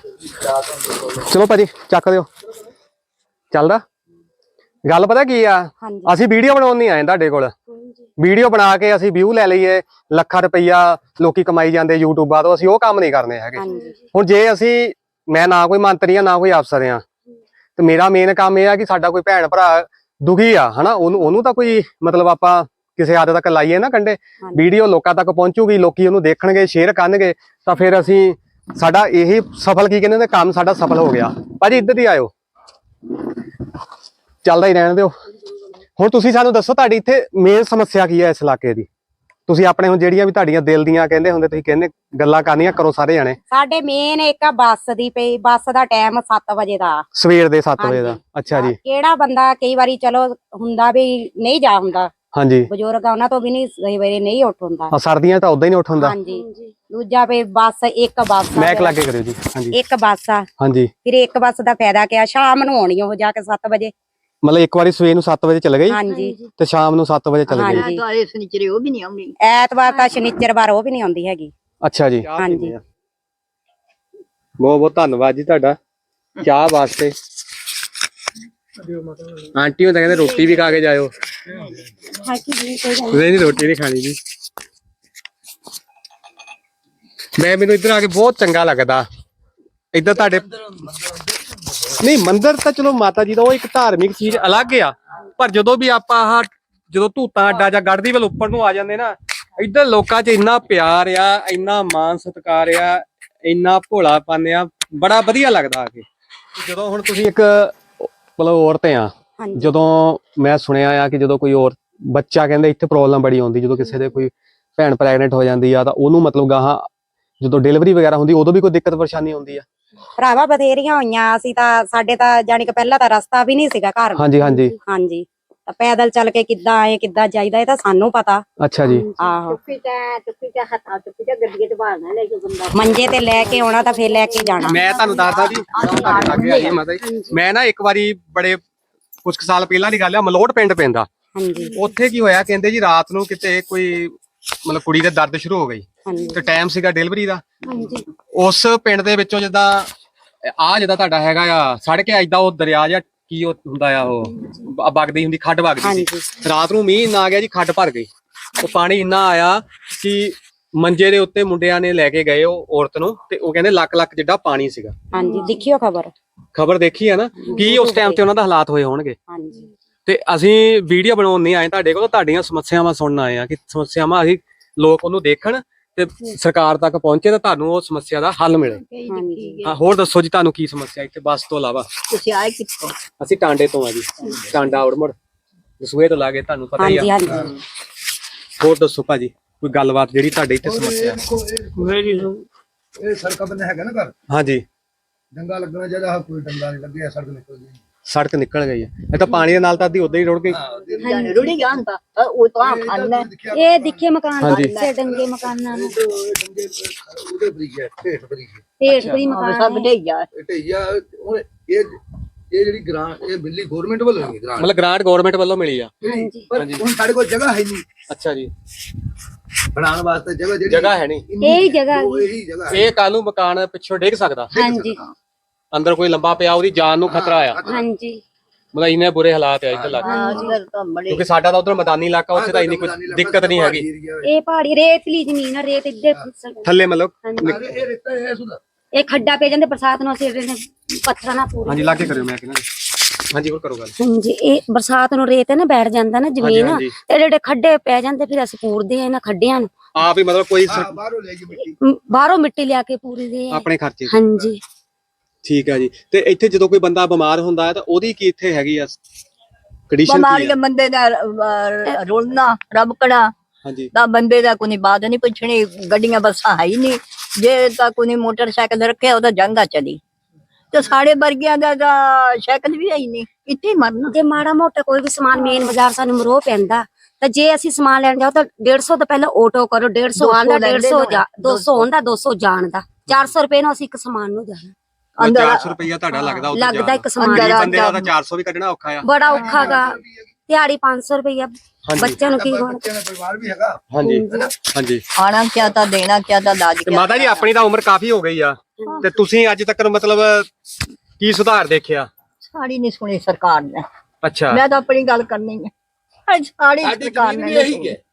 A: ਚਲੋ ਭਾਜੀ ਚੱਕ ਦਿਓ। ਚੱਲਦਾ ਗੱਲ ਪਤਾ ਕੀ ਆ,
D: ਹਾਂਜੀ
A: ਅਸੀਂ ਵੀਡੀਓ ਬਣਾਉਣ ਨਹੀਂ ਆਏ ਤੁਹਾਡੇ ਕੋਲ। ਵੀਡੀਓ ਬਣਾ ਕੇ ਅਸੀਂ ਵਿਊ ਲੈ ਲਈਏ, ਲੱਖਾਂ ਰੁਪਈਆ ਲੋਕੀ ਕਮਾਈ ਜਾਂਦੇ ਯੂਟਿਊਬਾਂ ਤੋਂ, ਅਸੀਂ ਉਹ ਕੰਮ ਨਹੀਂ ਕਰਨੇ ਹੈਗੇ।
D: ਹਾਂਜੀ
A: ਹੁਣ ਜੇ ਅਸੀਂ, ਮੈਂ ਨਾ ਕੋਈ ਮੰਤਰੀ ਆ ਨਾ ਕੋਈ ਅਫਸਰ ਆ, ਤੇ ਮੇਰਾ ਮੇਨ ਕੰਮ ਇਹ ਆ ਕਿ ਸਾਡਾ ਕੋਈ ਭੈਣ ਭਰਾ ਦੁਖੀ ਆ ਹਨਾ, ਉਹਨੂੰ ਉਹਨੂੰ ਤਾਂ ਕੋਈ ਮਤਲਬ ਆਪਾਂ ਕਿਸੇ ਹੱਦ ਤੱਕ ਲਾਈਏ ਨਾ ਕੰਡੇ, ਵੀਡੀਓ ਲੋਕਾਂ ਤੱਕ ਪਹੁੰਚੂਗੀ, ਲੋਕੀ ਉਹਨੂੰ ਦੇਖਣਗੇ, ਸ਼ੇਅਰ ਕਰਨਗੇ, ਤਾਂ ਫਿਰ ਅਸੀਂ ਸਾਡਾ ਇਹੀ ਸਫਲ ਕੀ ਕਹਿੰਦੇ ਨੇ ਕੰਮ ਸਾਡਾ ਸਫਲ ਹੋ ਗਿਆ। ਭਾਜੀ ਇੱਧਰ ਹੀ ਆਇਓ, ਚੱਲਦਾ ਹੀ ਰਹਿਣ ਦਿਓ। ਹੁਣ ਤੁਸੀਂ ਸਾਨੂੰ ਦੱਸੋ ਤੁਹਾਡੀ ਇੱਥੇ ਮੇਨ ਸਮੱਸਿਆ ਕੀ ਹੈ ਇਸ ਇਲਾਕੇ ਦੀ? ਤੁਸੀਂ ਆਪਣੇ ਹੁਣ ਜਿਹੜੀਆਂ ਵੀ ਤੁਹਾਡੀਆਂ ਦਿਲ ਦੀਆਂ ਕਹਿੰਦੇ ਹੁੰਦੇ, ਤੁਸੀਂ ਕਹਿੰਦੇ ਗੱਲਾਂ ਕਰਨੀਆਂ ਕਰੋ ਸਾਰੇ ਜਾਣੇ।
D: ਸਾਡੇ ਮੇਨ ਇੱਕ ਆ ਬੱਸ ਦੀ ਪਈ, ਬੱਸ ਦਾ ਟਾਈਮ ਸੱਤ ਵਜੇ ਦਾ,
A: ਸਵੇਰ ਦੇ ਸੱਤ ਵਜੇ ਦਾ। ਅੱਛਾ ਜੀ।
D: ਕਿਹੜਾ ਬੰਦਾ ਕਈ ਵਾਰੀ ਚਲੋ ਹੁੰਦਾ ਵੀ ਨਹੀਂ ਜਾ ਹੁੰਦਾ,
A: ਹਾਂਜੀ
D: ਬਜ਼ੁਰਗ ਆ ਉਹਨਾਂ ਤੋਂ ਵੀ ਨਹੀਂ ਕਈ ਵਾਰੀ ਨਹੀਂ ਉੱਠ ਹੁੰਦਾ।
A: ਆ ਸਰਦੀਆਂ ਤਾਂ ਉਦਾਂ ਹੀ ਨਹੀਂ ਉੱਠ ਹੁੰਦਾ।
D: ਹਾਂਜੀ ਦੂਜਾ ਵੀ ਬੱਸ ਇੱਕ ਬੱਸ ਆ,
A: ਮੈਕ ਲਾਗੇ ਕਰਿਓ ਜੀ। ਹਾਂਜੀ
D: ਇੱਕ ਬੱਸ ਆ,
A: ਹਾਂਜੀ।
D: ਫਿਰ ਇੱਕ ਬੱਸ ਦਾ ਫਾਇਦਾ ਕਿਆ, ਸ਼ਾਮ ਨੂੰ ਆਉਣੀ ਉਹ ਜਾ ਕੇ ਸੱਤ ਵਜੇ।
A: ਮਤਲਬ ਇੱਕ ਵਾਰੀ ਸਵੇਰ ਨੂੰ ਸੱਤ ਵਜੇ ਚਲੇ ਗਈ
D: ਹਾਂਜੀ
A: ਤੇ ਸ਼ਾਮ ਨੂੰ ਸੱਤ ਵਜੇ ਚਲੇ ਗਈ।
D: ਹਾਂਜੀ
B: ਤਾਂ ਇਹ ਸਨੀਚਰੇ ਉਹ ਵੀ ਨਹੀਂ ਆਉਣੀ।
D: ਐਤਵਾਰ ਤਾਂ ਸ਼ਨੀਚਰਵਾਰ ਉਹ ਵੀ ਨਹੀਂ ਆਉਂਦੀ ਹੈਗੀ।
A: ਅੱਛਾ ਜੀ।
D: ਹਾਂਜੀ
A: ਬਹੁਤ ਬਹੁਤ ਧੰਨਵਾਦ ਜੀ ਤੁਹਾਡਾ ਚਾਹ ਵਾਸਤੇ। ਆਂਟੀ ਉਹ ਤਾਂ ਕਹਿੰਦੇ ਰੋਟੀ ਵੀ ਖਾ ਕੇ ਜਾਇਓ। ਨਹੀਂ ਨਹੀਂ ਰੋਟੀ ਨਹੀਂ ਖਾਣੀ ਜੀ। ਮੈਂ ਮੈਨੂੰ ਇੱਧਰ ਆ ਕੇ ਬਹੁਤ ਚੰਗਾ ਲੱਗਦਾ। ਇੱਧਰ ਤੁਹਾਡੇ ਨਹੀਂ ਮੰਦਿਰ ਤਾਂ ਚਲੋ ਮਾਤਾ ਜੀ ਦਾ ਉਹ ਇੱਕ ਧਾਰਮਿਕ ਚੀਜ਼ ਅਲੱਗ ਆ, ਪਰ ਜਦੋਂ ਵੀ ਆਪਾਂ ਆਹ ਜਦੋਂ ਧੂਤਾਂ ਅੱਡਾ ਜਾਂ ਗੜ੍ਹਦੀ ਵੱਲ ਉੱਪਰ ਨੂੰ ਆ ਜਾਂਦੇ ਨਾ, ਇੱਧਰ ਲੋਕਾਂ 'ਚ ਇੰਨਾ ਪਿਆਰ ਆ, ਇੰਨਾ ਮਾਣ ਸਤਿਕਾਰ ਆ, ਇੰਨਾ ਭੋਲਾਪਨ ਆ, ਬੜਾ ਵਧੀਆ ਲੱਗਦਾ ਆ ਕੇ। ਜਦੋਂ ਹੁਣ ਤੁਸੀਂ ਇੱਕ ਮਤਲਬ ਔਰਤ ਆ, ਜਦੋਂ ਮੈਂ ਸੁਣਿਆ ਆ ਕਿ ਜਦੋਂ ਕੋਈ ਔਰ ਬੱਚਾ ਕਹਿੰਦੇ ਇੱਥੇ ਪ੍ਰੋਬਲਮ ਬੜੀ ਆਉਂਦੀ, ਜਦੋਂ ਕਿਸੇ ਦੇ ਕੋਈ ਭੈਣ ਪ੍ਰੈਗਨੈਂਟ ਹੋ ਜਾਂਦੀ ਆ ਤਾਂ ਉਹਨੂੰ ਮਤਲਬ ਗਾਹਾਂ ਜਦੋਂ ਡਿਲੀਵਰੀ ਵਗੈਰਾ ਹੁੰਦੀ ਉਦੋਂ ਵੀ ਕੋਈ ਦਿੱਕਤ ਪਰੇਸ਼ਾਨੀ ਆਉਂਦੀ ਆ?
D: ਭਰਾਵਾ ਬਥੇਰੀਆਂ ਹੋਈਆਂ, ਅਸੀਂ ਤਾਂ ਸਾਡੇ ਤਾਂ ਜਾਣੀ ਕਿ ਪਹਿਲਾਂ ਤਾਂ ਰਸਤਾ ਵੀ ਨਹੀਂ ਸੀਗਾ ਘਰ।
A: ਹਾਂਜੀ ਹਾਂਜੀ
D: ਹਾਂਜੀ ਤਾਂ ਪੈਦਲ ਚੱਲ ਕੇ ਕਿੱਦਾਂ ਆਏ ਕਿੱਦਾਂ ਜਾਈਦਾ ਇਹ ਤਾਂ ਸਾਨੂੰ ਪਤਾ।
A: ਅੱਛਾ ਜੀ।
D: ਆਹੋ
B: ਚੁੱਪੀ ਤਾਂ ਚੁੱਪੀ ਤਾਂ ਹੱਥਾਂ ਚੁੱਪੀ ਤਾਂ ਗੱਡੀਏ ਤੇ ਬਾਹਰ ਲੈ ਕੇ ਬੰਦਾ
D: ਮੰਜੇ ਤੇ ਲੈ ਕੇ ਆਉਣਾ ਤਾਂ ਫੇਰ ਲੈ ਕੇ ਜਾਣਾ।
A: ਮੈਂ ਤੁਹਾਨੂੰ ਦੱਸਦਾ ਜੀ, ਤੁਹਾਡੇ ਲਾਗੇ ਆ ਜੀ ਮਾਤਾ ਜੀ, ਮੈਂ ਨਾ ਇੱਕ ਵਾਰੀ ਬੜੇ ਕੁਝ ਸਾਲ ਪਹਿਲਾਂ ਦੀ ਗੱਲ ਆ, ਮਲੋਟ ਪਿੰਡ ਪੈਂਦਾ।
D: ਹਾਂਜੀ
A: ਉੱਥੇ ਕੀ ਹੋਇਆ, ਕਹਿੰਦੇ ਜੀ ਰਾਤ ਨੂੰ ਕਿਤੇ ਕੋਈ ਮਤਲਬ ਕੁੜੀ ਦੇ ਦਰਦ ਸ਼ੁਰੂ ਹੋ ਗਈ
D: ਹਾਂਜੀ
A: ਤੇ ਟਾਈਮ ਸੀਗਾ ਡਿਲੀਵਰੀ ਦਾ।
D: ਹਾਂਜੀ
A: ਉਸ ਪਿੰਡ ਦੇ ਵਿੱਚੋਂ ਜਿੱਦਾਂ ਆ ਜਿੱਦਾਂ ਤੁਹਾਡਾ ਹੈਗਾ ਆ ਸੜਕ ਆ, ਏਦਾਂ ਉਹ ਦਰਿਆ ਜਾਂ ਕੀ ਉਹ ਹੁੰਦਾ ਆ, ਉਹ ਬ- ਵਗਦੀ ਹੁੰਦੀ, ਖੱਡ ਵਗਦੀ ਸੀ। ਰਾਤ ਨੂੰ ਮੀਂਹ ਇੰਨਾ ਆ ਗਿਆ ਜੀ, ਖੱਡ ਭਰ ਗਈ। ਉਹ ਪਾਣੀ ਇੰਨਾ ਆਇਆ ਕਿ ਮੰਜੇ ਦੇ ਉੱਤੇ ਮੁੰਡਿਆਂ ਨੇ ਲੈ ਕੇ ਗਏ ਉਹ ਔਰਤ ਨੂੰ, ਤੇ ਉਹ ਕਹਿੰਦੇ ਲੱਖ ਲੱਖ ਜਿੱਡਾ ਪਾਣੀ ਸੀਗਾ।
D: ਹਾਂਜੀ ਦੇਖਿਓ ਖਬਰ।
A: ਖਬਰ ਦੇਖੀ ਹੈ ਨਾ, ਕੀ ਉਸ ਟਾਈਮ ਤੇ ਉਹਨਾਂ ਦਾ ਹਾਲਾਤ ਹੋਏ ਹੋਣਗੇ।
D: ਹਾਂਜੀ
A: ਤੇ ਅਸੀਂ ਵੀਡੀਓ ਬਣਾਉਣ ਨਹੀਂ ਆਏ ਤੁਹਾਡੇ ਕੋਲ, ਤੁਹਾਡੀਆਂ ਸਮੱਸਿਆਵਾਂ ਸੁਣਨ ਆਏ ਆ ਕਿ ਸਮੱਸਿਆਵਾਂ ਅਸੀਂ ਲੋਕ ਉਹਨੂੰ ਦੇਖਣ ਤੇ ਸਰਕਾਰ ਤੱਕ ਪਹੁੰਚੇ ਤਾਂ ਤੁਹਾਨੂੰ ਉਹ ਸਮੱਸਿਆ ਦਾ ਹੱਲ ਮਿਲੇ।
D: ਹਾਂਜੀ
A: ਹਾਂ ਹੋਰ ਦੱਸੋ ਜੀ, ਤੁਹਾਨੂੰ ਕੀ ਸਮੱਸਿਆ ਇੱਥੇ ਬੱਸ ਤੋਂ ਇਲਾਵਾ?
B: ਤੁਸੀਂ ਆਏ ਕਿੱਥੋਂ?
A: ਅਸੀਂ ਟਾਂਡੇ ਤੋਂ ਆ ਜੀ, ਟਾਂਡਾ ਔੜਮੜ ਦਸੂਹੇ ਤੋਂ ਲਾਗੇ, ਤੁਹਾਨੂੰ ਪਤਾ ਹੀ
D: ਹਾਂਜੀ
A: ਆ।
D: ਹਾਂਜੀ
A: ਹੋਰ ਦੱਸੋ ਭਾਜੀ ਕੋਈ ਗੱਲਬਾਤ ਜਿਹੜੀ ਤੁਹਾਡੇ ਇੱਥੇ ਸਮੱਸਿਆ?
E: ਇਹ ਸੜਕ ਬੰਨੇ ਹੈਗਾ ਨਾ ਘਰ,
A: ਹਾਂਜੀ
E: ਡੰਗਾ ਲੱਗਣਾ ਚਾਹੀਦਾ, ਆਹ ਕੋਈ ਡੰਗਾ ਨਹੀਂ ਲੱਗਿਆ, ਸੜਕ ਨਿਕਲ ਗਈ।
A: ਸੜਕ ਨਿਕਲ ਗਈ ਹੈ, ਇਹ ਤਾਂ ਪਾਣੀ ਦੇ ਨਾਲ ਤਾਂ ਅੱਧੀ ਉਦਾਂ ਹੀ ਰੁੜ ਗਈ।
B: ਜਾਣੇ ਰੁੜੀ ਜਾਣ ਤਾਂ ਉਹ ਤਾਂ ਖਾਣਾ
D: ਇਹ ਦਿਖੇ ਮਕਾਨ
A: ਹਾਂਜੀ।
D: ਸੇ ਡੰਗੇ ਮਕਾਨਾਂ ਨੂੰ
E: ਡੰਗੇ ਉਹਦੇ ਬਰੀਕ ਹੈ, ਢੇਠ ਬਰੀਕ ਹੈ,
D: ਢੇਰ ਕੋਈ ਮਕਾਨ
B: ਸਭ ਦੇ ਯਾਰ
E: ਇਹ ਢਈਆ। ਹੁਣ ਇਹ ਇਹ ਜਿਹੜੀ ਗ੍ਰਾਂਟ ਇਹ ਬਿੱਲੀ ਗਵਰਨਮੈਂਟ ਵੱਲੋਂ ਹੋਈ ਗ੍ਰਾਂਟ,
A: ਮਤਲਬ ਗ੍ਰਾਂਟ ਗਵਰਨਮੈਂਟ ਵੱਲੋਂ ਮਿਲੀ ਆ।
D: ਹਾਂਜੀ
E: ਪਰ ਹੁਣ ਸਾਡੇ ਕੋਲ ਜਗ੍ਹਾ ਹੈ ਨਹੀਂ।
A: ਅੱਛਾ ਜੀ।
E: ਬਣਾਉਣ ਵਾਸਤੇ ਜਗ੍ਹਾ ਜਿਹੜੀ
A: ਜਗ੍ਹਾ ਹੈ ਨਹੀਂ।
D: ਇਹੀ ਜਗ੍ਹਾ
E: ਉਹ ਇਹੀ ਜਗ੍ਹਾ ਹੈ।
A: ਇਹ ਕੱਲ ਨੂੰ ਮਕਾਨ ਪਿੱਛੋਂ ਡਿੱਗ ਸਕਦਾ,
D: ਹਾਂਜੀ
A: ਅੰਦਰ ਕੋਈ ਲੰਬਾ ਪਿਆ ਉਹਦੀ ਜਾਨ ਨੂੰ ਖਤਰਾ ਆ।
D: ਹਾਂਜੀ
A: ਮਤਲਬ ਇੰਨੇ ਬੁਰੇ ਹਾਲਾਤ ਆ ਇੱਧਰ ਲੱਗ
B: ਹਾਂ ਇੱਧਰ ਤਾਂ ਬੜੇ
A: ਕਿਉਂਕਿ ਸਾਡਾ ਤਾਂ ਉਧਰ ਮੈਦਾਨੀ ਇਲਾਕਾ, ਉੱਥੇ ਤਾਂ ਇੰਨੀ ਕੋਈ ਦਿੱਕਤ ਨਹੀਂ ਹੈਗੀ।
D: ਇਹ ਪਹਾੜੀ ਰੇਤਲੀ ਜ਼ਮੀਨ ਆ, ਰੇਤ ਇੱਧਰ ਫਿਸਲ ਜਾਂਦੀ।
A: ਥੱਲੇ ਮਤਲਬ
E: ਇਹ ਰਿਸ਼ਤਾ ਹੈ ਸੁਦਾ
D: ਇਹ ਖੱਡਾ ਪੈ ਜਾਂਦੇ ਬਰਸਾਤ ਨੂੰ, ਅਸੀਂ ਇਹਦੇ ਪੱਥਰਾਂ ਨਾਲ ਪੂਰੀ।
A: ਹਾਂਜੀ ਲਾਗੇ ਕਰਿਓ, ਮੈਂ ਕਹਿੰਦਾ ਹਾਂਜੀ ਹੋਰ ਕਰੋ ਗੱਲ।
D: ਹਾਂਜੀ ਇਹ ਬਰਸਾਤ ਨੂੰ ਰੇਤ ਨਾ ਬੈਠ ਜਾਂਦਾ ਨਾ ਜ਼ਮੀਨ,
A: ਹਾਂਜੀ।
D: ਤੇ ਜਿਹੜੇ ਖੱਡੇ ਪੈ ਜਾਂਦੇ ਫਿਰ ਅਸੀਂ ਪੂਰਦੇ ਆ ਇਹਨਾਂ ਖੱਡਿਆਂ ਨੂੰ,
A: ਆਪ ਹੀ ਮਤਲਬ ਕੋਈ ਸਰ-
E: ਬਾਹਰੋਂ ਲੈ ਕੇ ਮਿੱਟੀ
D: ਮ, ਬਾਹਰੋਂ ਮਿੱਟੀ ਲਿਆ ਕੇ ਪੂਰਦੇ ਆ।
A: ਆਪਣੇ ਖਰਚੇ ਤੇ।
D: ਹਾਂਜੀ
A: ਠੀਕ ਹੈ ਜੀ। ਤੇ ਇੱਥੇ ਜਦੋਂ ਕੋਈ ਬੰਦਾ ਬਿਮਾਰ ਹੁੰਦਾ ਹੈ ਤਾਂ ਉਹਦੀ ਕੀ ਇੱਥੇ ਹੈਗੀ ਆ ਕੰਡੀਸ਼ਨ ਕੀ
B: ਬਿਮਾਰੀ
A: ਆ?
B: ਦੇ ਬੰਦੇ ਦਾ ਅਹ, ਰੋਲਣਾ ਰਬਕਣਾ
A: ਹਾਂਜੀ
B: ਤਾਂ ਬੰਦੇ ਦਾ ਕੋਈ ਬਾਤ ਨਹੀਂ ਪੁੱਛਣੀ, ਗੱਡੀਆਂ ਬੱਸਾਂ ਹੈ ਹੀ ਨਹੀਂ, ਜੇ ਤਾਂ ਕੋਈ ਮੋਟਰਸਾਈਕਲ ਰੱਖਿਆ ਉਹਦਾ ਜੰਗਾ ਚਲੀ, ਤੇ ਸਾਡੇ ਵਰਗਿਆਂ ਦਾ ਤਾਂ ਸਾਈਕਲ ਵੀ ਹੈ ਹੀ ਨਹੀਂ, ਇੱਥੇ ਹੀ ਮਰਨਾ।
D: ਜੇ ਮਾੜਾ ਮੋਟਾ ਕੋਈ ਵੀ ਸਮਾਨ ਮੇਨ ਬਾਜ਼ਾਰ ਸਾਨੂੰ ਮਰੋ ਪੈਂਦਾ, ਤਾਂ ਜੇ ਅਸੀਂ ਸਮਾਨ ਲੈਣ ਜਾਓ ਤਾਂ ਡੇਢ ਸੌ ਤੋਂ ਪਹਿਲਾਂ ਆਟੋ ਕਰੋ, ਡੇਢ ਸੌ ਆਉਣ ਦਾ, ਡੇਢ ਸੌ ਜਾ ਦੋ ਸੌ ਆਉਣ ਦਾ, ਦੋ ਸੌ ਜਾਣ ਦਾ, ਚਾਰ ਸੌ ਰੁਪਏ ਨੂੰ ਅਸੀਂ ਇੱਕ ਸਮਾਨ ਨੂੰ ਜਾਣਾ।
B: ਅੰਦਰ
A: ਚਾਰ ਸੌ ਰੁਪਇਆ ਤੁਹਾਡਾ ਲੱਗਦਾ ਉੱਥੇ
D: ਲੱਗਦਾ ਇੱਕ ਸਮਾਨ
B: ਅੰਦਰ
A: ਦਾ।
B: ਆ
A: ਬੰਦੇ ਦਾ ਤਾਂ ਚਾਰ ਸੌ ਵੀ ਕੱਢਣਾ ਔਖਾ ਆ।
D: ਬੜਾ ਔਖਾ ਗਾ, ਦਿਹਾੜੀ ਪੰਜ ਸੌ ਰੁਪਇਆ ਬੱਚਿਆਂ ਨੂੰ ਕੀ ਹੋਣਾ।
E: ਬੱਚਿਆਂ ਦਾ ਪਰਿਵਾਰ ਵੀ ਹੈਗਾ।
A: ਹਾਂਜੀ ਹਾਂਜੀ।
B: ਆਣਾ ਕਿਆ ਤਾਂ ਦੇਣਾ ਕਿਆ ਤਾਂ ਦਾਜ
A: ਤੇ
B: ਕਿਆ।
A: ਮਾਤਾ ਜੀ ਆਪਣੀ ਤਾਂ ਉਮਰ ਕਾਫੀ ਹੋ ਗਈ ਆ, ਤੇ ਤੁਸੀਂ ਅੱਜ ਤੱਕ ਮਤਲਬ ਕੀ ਸੁਧਾਰ ਦੇਖਿਆ?
B: ਸਾੜੀ ਨਹੀਂ ਸੁਣੀ ਸਰਕਾਰ ਨੇ,
A: ਅੱਛਾ
B: ਮੈਂ ਤਾਂ ਆਪਣੀ ਗੱਲ ਕਰਨੀ ਹੈ, ਸਾੜੀ
E: ਸਾਡੀ
B: ਸਰਕਾਰ
E: ਜ਼ਮੀਨ
B: ਨੇ
E: ਵੀ
B: ਨਹੀਂ
E: ਇਹੀ
B: ਸੁਣੀ।
E: ਹੈ।